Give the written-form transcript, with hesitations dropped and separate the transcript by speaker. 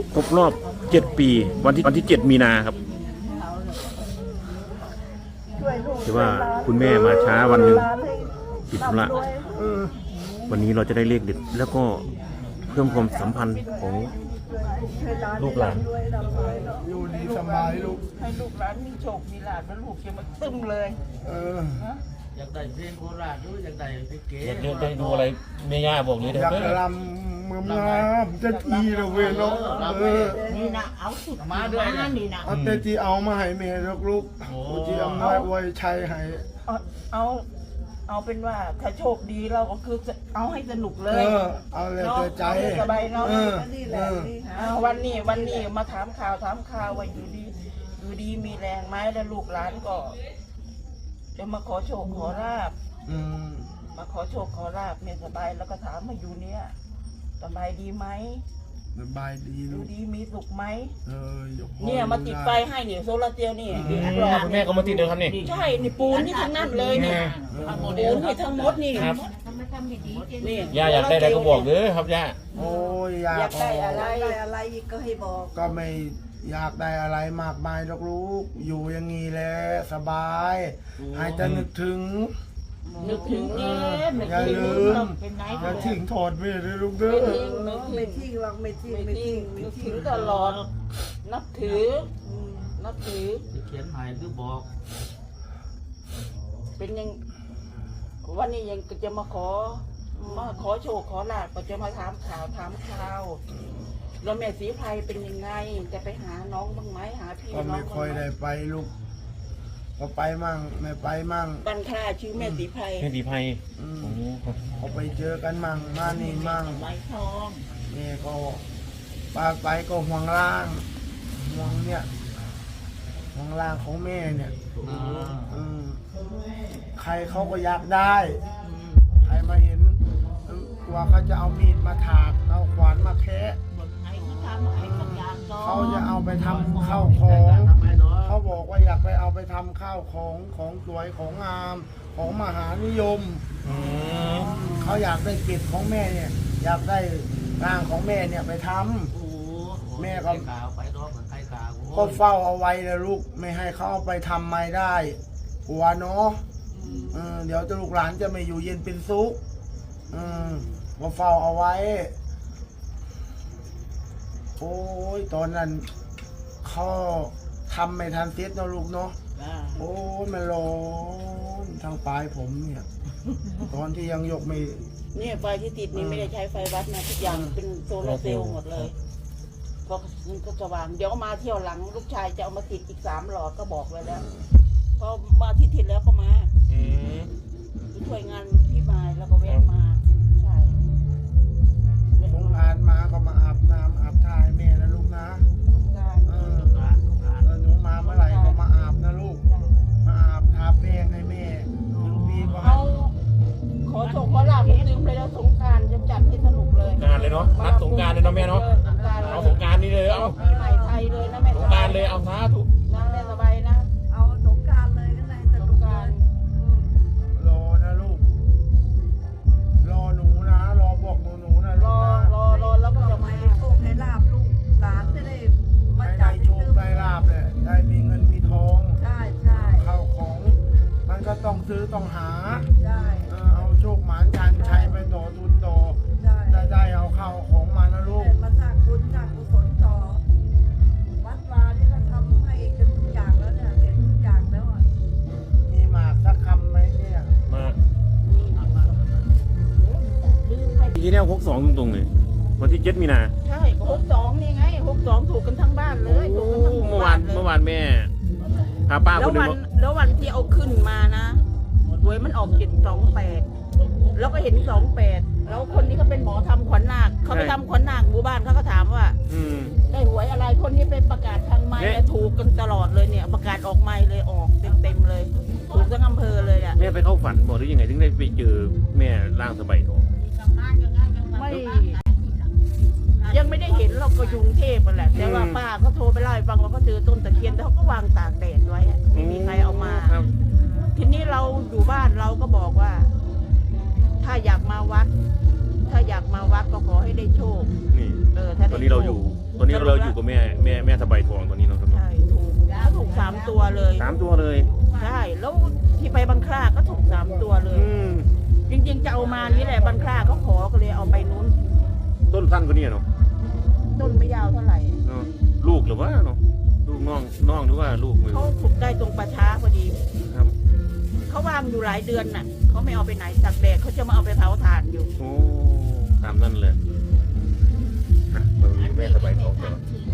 Speaker 1: ครบรอบ7 ปีวันที่7 มีนาครับถือว่าคุณแม่มาช้าวันหนึ่งติดธุระวันนี้เราจะได้เลขเด็ดแล้วก็เพิ่มความสัมพันธ์ของลูกหลาน
Speaker 2: อยู่ดีสบายลูก
Speaker 3: ให้ลูกหลานมีโชคมีลาภแล้วลูกจะมาตึ้มเลย
Speaker 4: อยากได้เพลงโคราชหรืออยากได้เพลงเก๋
Speaker 1: อยากได้ดูอะไรแม่ย่าบอกนี้เด้อ
Speaker 2: อยากลำเมื่อจะทีเราเว้ยเนาะ
Speaker 3: นี่นะเอาสุดมาด้วยนะนี่นะ
Speaker 2: เอาแต่ที่เอามาให้แม่ลูกที่เอามาไว้ใช้ให้
Speaker 3: เอาเป็นว่าถ้าโชคดีเราก็คือเอาให้สนุกเลย
Speaker 2: เอาเลยใจ
Speaker 3: สบายเนาะนี่แหละวันนี้มาถามข่าวว่าอยู่ดีมีแรงไหมแล้วลูกหลานก็จะมาขอโชคขอลาบมาขอโชคขอลาบเนี่ยสบายแล้วก็ถามมาอยู่เนี่ยสบายดีไหม
Speaker 2: สบายดี
Speaker 3: ดูดีมีสุขไหม
Speaker 2: เนี่
Speaker 3: มาติดไฟให้เนี่ยโซลาร์เซลล์นี่
Speaker 1: คุณแม่ก็มาติดเดียวครับนี่
Speaker 3: ใช่นี่ปูนนี่ทั้งนั้นเลยนี่ปูนนี่ทั้งหมดนี่
Speaker 1: ครับนี่ย่าอยากได้อะไรก็บอกเลยครับย่า
Speaker 2: โอ้ย
Speaker 3: อยากได้อะไรก็ให้บอก
Speaker 2: ก็ไม่อยากได้อะไรมากมายลูกอยู่อย่างนี้แหละสบายให้จะนึกถึง
Speaker 3: นี่
Speaker 2: อย่าลืมอย่าทิ้งถอดไปเลยลูกเด้อ
Speaker 3: ไม่ทิ้งหรอกไม่ทิ้งตลอดนับถือ
Speaker 4: เขียนหมายคือบอก
Speaker 3: เป็นยังวันนี้ยังจะมาขอโชคขอลาภก็จะมาถามข่าวแล้วแม่สีไพรเป็นยังไงจะไปหาน้องบ้างไหมหาพี่น้อง
Speaker 2: ก็ไม่ค่อยได้ไปลูกก็ไปมั่งไม่ไปมั่ง
Speaker 3: บันค่าชื่อแม่สีไพร
Speaker 2: เขาไปเจอกันมั่งมานี่มั่ง
Speaker 3: ไม้ทอง
Speaker 2: นี่ก็ไปก็ห่วงล่างห่วงเนี่ยห่วงล่างของแม่เนี่ยใครเขาก็อยากได้ใครมาเห็นกลัวเขาจะเอามีดมาถากเอาขวานมาแคะเขาจะเอาไปทำข้าวของเขาบอกว่าอยากไปเอาไปทำข้าวของสวยของงามของมหานิยมเขาอยากได้เกล็ดของแม่เนี่ยอยากได้ร่างของแม่เนี่ยไปทำแม่ก็เฝ้าเอาไว้เลยลูกไม่ให้เขาเอาไปทำไม่ได้กลัวเนาะเดี๋ยวลูกหลานจะไม่อยู่เย็นเป็นสุขก็เฝ้าเอาไว้โอ้ยตอนนั้นเขาทำไม่ทันเสร็จเนาะลูกเนาะโอ้ยมันร้อนทางปลายผมเนี่ยตอนที่ยังยกไม่
Speaker 3: เนี่ยไฟที่ติดนี่ไม่ได้ใช้ไฟวัดนะทุกอย่างเป็นโซลาร์เซลล์หมดเลยเพราะมันก็สว่างเดี๋ยวมาเที่ยวหลังลูกชายจะเอามาติดอีก3 หลอดก็บอกไว้แล้วพอมาที่ติดแล้วก็มาช่วยงานพี่มายแล้วก็แวะมาใช่
Speaker 2: สงกรานต์มาก็มาอาบน้ำอาบท่าให้แม่นะลูกนะหนูมาเมื่อไหร่ก็มาอาบนะลูกมาอาบทาแป้งให้แม่ปีก็
Speaker 3: เอาขอโชคขอลาภผมลืมไปแล้วสงกรานต์จะจัดให้สนุกเลย
Speaker 1: งานเลยเนาะนัดสงการเลยเนาะแม่เนาะเอาสงการนี่เลยเอา
Speaker 3: ปีใหม่ไทยเลยนะแม่
Speaker 1: สงการเลยเอาซะถูก
Speaker 3: นะแม่สบายนะเอาสงกรานต์เลยก็ได้สงกรานต์
Speaker 2: รอนะลูกรอหนูนะรอบอกหนูนะ
Speaker 3: รอแล้วก็จะมาให้โชคให้ลาภลูกหลานจะได้มาจัด
Speaker 2: โชคได้ลาภเลยได้มีเงินมีทอง
Speaker 3: ใช่
Speaker 2: เข้าของมันก็ต้องซื้อต้องหา
Speaker 3: ใช่
Speaker 2: เอาโชคหมานชันชัยไปต่อทุนต่อได้เอาเข้าของมานะลูก
Speaker 3: มาสร้างบุญสร้างกุศลต่อวัดวาที่เขาทำให้กันทุกอย่างแล้วเนี่ยเสร็จทุกอย่างแล้วอ่ะ
Speaker 2: มีหมากสักคำไหมเนี่ย
Speaker 1: มาทีนี้62ตรงๆเลยวันที่7 มีนา
Speaker 3: ใช่62นี่ไง62ถูกกันทั้งบ้านเลยถูกกันทั้ง
Speaker 1: เมื่อวานแม่พาป้าคนนึง
Speaker 3: แล้ววันที่เอาขึ้นมานะหวยมันออก728แล้วก็เห็น28แล้วคนนี้ก็เป็นหมอทำขวัญนาคเขาไปทำขวัญนาคหมู่บ้านเขาก็ถามว่าได้หวยอะไรคนที่ไปประกาศทางไม้ถูกกันตลอดเลยเนี่ยประกาศออกไม้เลยออกเต็มเลยถูกทั้งอำเภอเลยอ่ะ
Speaker 1: แม่ไปเข้าฝันบอกหรือยังไงถึงได้ไปเจอแม่ร่างสบายทอง
Speaker 3: ไม่ยังไม่ได้เห็นเราก็ยุงเทพแหละแต่ว่าป้าเขาโทรไปเล่าให้ฟังว่าเขาเจอต้นตะเคียนแต่เขาก็วางตากแดดไว้ไม่มีใครเอามาทีนี้เราอยู่บ้านเราก็บอกว่าถ้าอยากมาวัดก็ขอให้ได้โชค
Speaker 1: นี่ตอนนี้เราอยู่ตอนนี้เราอยู่กับแม่สบายทองตอนนี้เนาะครับเนาะ
Speaker 3: ใช่ถูก3 ตัวเลย
Speaker 1: 3 ตัวเลย
Speaker 3: ใช่แล้วที่ไปบังคลาก็ถูก3 ตัวเลย จริงๆจะเอามานี่แหละบังคลาเขาขอก็เลยเอาไปนู้น
Speaker 1: ต้นสั้นกว่านี้เนาะ
Speaker 3: ต้นไม่ยาวเท่าไหร่
Speaker 1: เนาะลูกหรือว่าเนาะลูกน้องหรือว่าลูกไม่
Speaker 3: เขา
Speaker 1: รู้
Speaker 3: ขุดได้ตรงป่าช้าพอดี
Speaker 1: ครับ
Speaker 3: เขาวางอยู่หลายเดือนน่ะเขาไม่เอาไปไหนตากแดดเขาจะมาเอาไปเผาถ่านอยู่
Speaker 1: โอ้ตามนั่นเลยอ่ะมามีแม่สบายทองก่อน